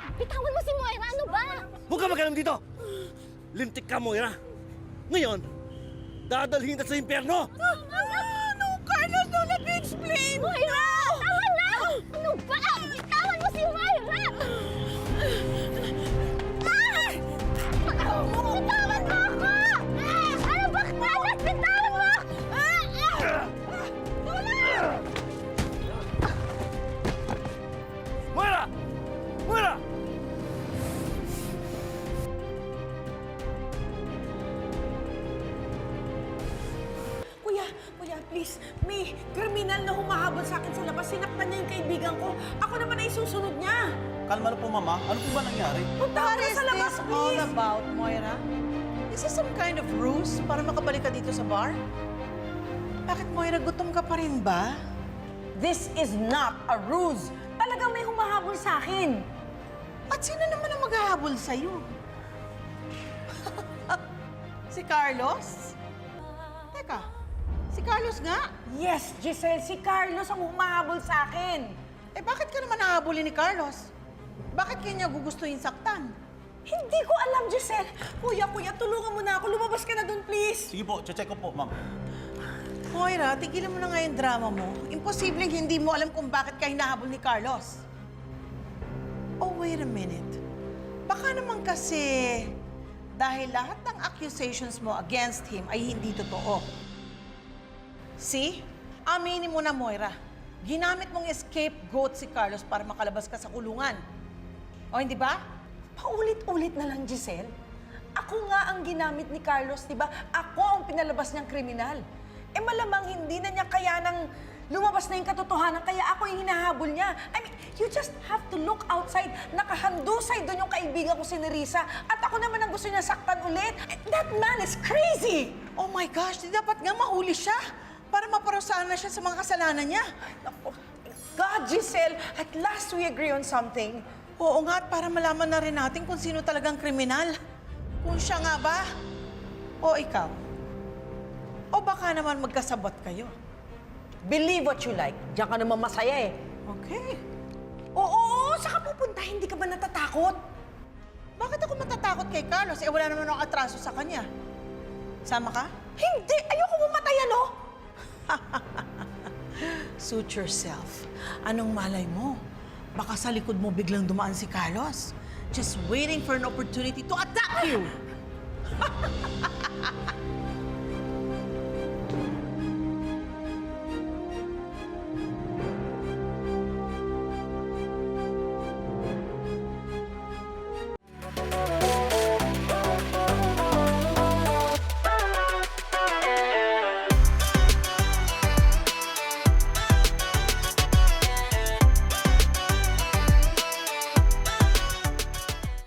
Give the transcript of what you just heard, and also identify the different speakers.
Speaker 1: Bitawan mo si Moira! Ano ba?
Speaker 2: Huwag ka magalang dito! Lintik ka, Moira! Ngayon, dadalhin ka sa impyerno!
Speaker 3: No, Carlos, don't let me explain!
Speaker 1: Moira! Tama na! Ano ba? Bitawan mo si Moira! Bitawan mo ako! Ano ba, Carlos? Bitawan mo!
Speaker 2: Moira! Moira!
Speaker 3: Kuya, please. May kriminal na humahabol sa akin sa labas. Sinaktan niya yung kaibigan ko. Ako naman ay susunod niya.
Speaker 4: Kalma na po, Mama. Ano po ba nangyari?
Speaker 3: Punta
Speaker 5: What
Speaker 3: ka
Speaker 5: is
Speaker 3: sa labas,
Speaker 5: this all
Speaker 3: please.
Speaker 5: about, Moira? Is this some kind of ruse para makabalik ka dito sa bar? Bakit, Moira, gutom ka pa rin ba?
Speaker 3: This is not a ruse. Talagang may humahabol sa akin.
Speaker 5: At sino naman ang maghahabol sa'yo? Si Carlos? Teka, si Carlos nga?
Speaker 3: Yes, Giselle, si Carlos ang humahabol sa akin.
Speaker 5: Eh, bakit ka naman nahabulin ni Carlos? Bakit kanya gugustuhin saktan?
Speaker 3: Hindi ko alam, Giselle. Kuya, tulungan mo na ako. Lumabas ka na doon, please.
Speaker 4: Sige po, check ko po, Ma'am.
Speaker 5: Moira, tigilan mo na nga yung drama mo. Imposibleng hindi mo alam kung bakit ka hinahabol ni Carlos. Oh, wait a minute. Baka naman kasi dahil lahat ng accusations mo against him ay hindi totoo. See? Aminin mo na, Moira. Ginamit mong scapegoat si Carlos para makalabas ka sa kulungan. O, hindi ba?
Speaker 3: Paulit-ulit na lang, Giselle. Ako nga ang ginamit ni Carlos, di ba? Ako ang pinalabas niyang kriminal. Eh malamang hindi na niya kaya nang lumabas na yung katotohanan, kaya ako yung hinahabol niya. I mean, you just have to look outside. Nakahandusay doon yung kaibigan ko si Nerissa. At ako naman ang gusto niya saktan ulit. That man is crazy!
Speaker 5: Oh my gosh, di dapat nga mahuli siya para maparusahan na siya sa mga kasalanan niya.
Speaker 3: Naku, God, Giselle, at last we agree on something.
Speaker 5: Oo nga, at para malaman na rin natin kung sino talagang kriminal. Kung siya nga ba? O ikaw? O baka naman magkasabot kayo?
Speaker 3: Believe what you like. Diyan ka naman masaya eh.
Speaker 5: Okay.
Speaker 3: Oo, saka pupunta, hindi ka ba natatakot?
Speaker 5: Bakit ako matatakot kay Carlos? Eh, wala naman akong atraso sa kanya. Sama ka?
Speaker 3: Hindi! Ayoko mamatay, ano?
Speaker 5: Suit yourself. Anong malay mo? Baka sa likod mo biglang dumaan si Carlos. Just waiting for an opportunity to attack you.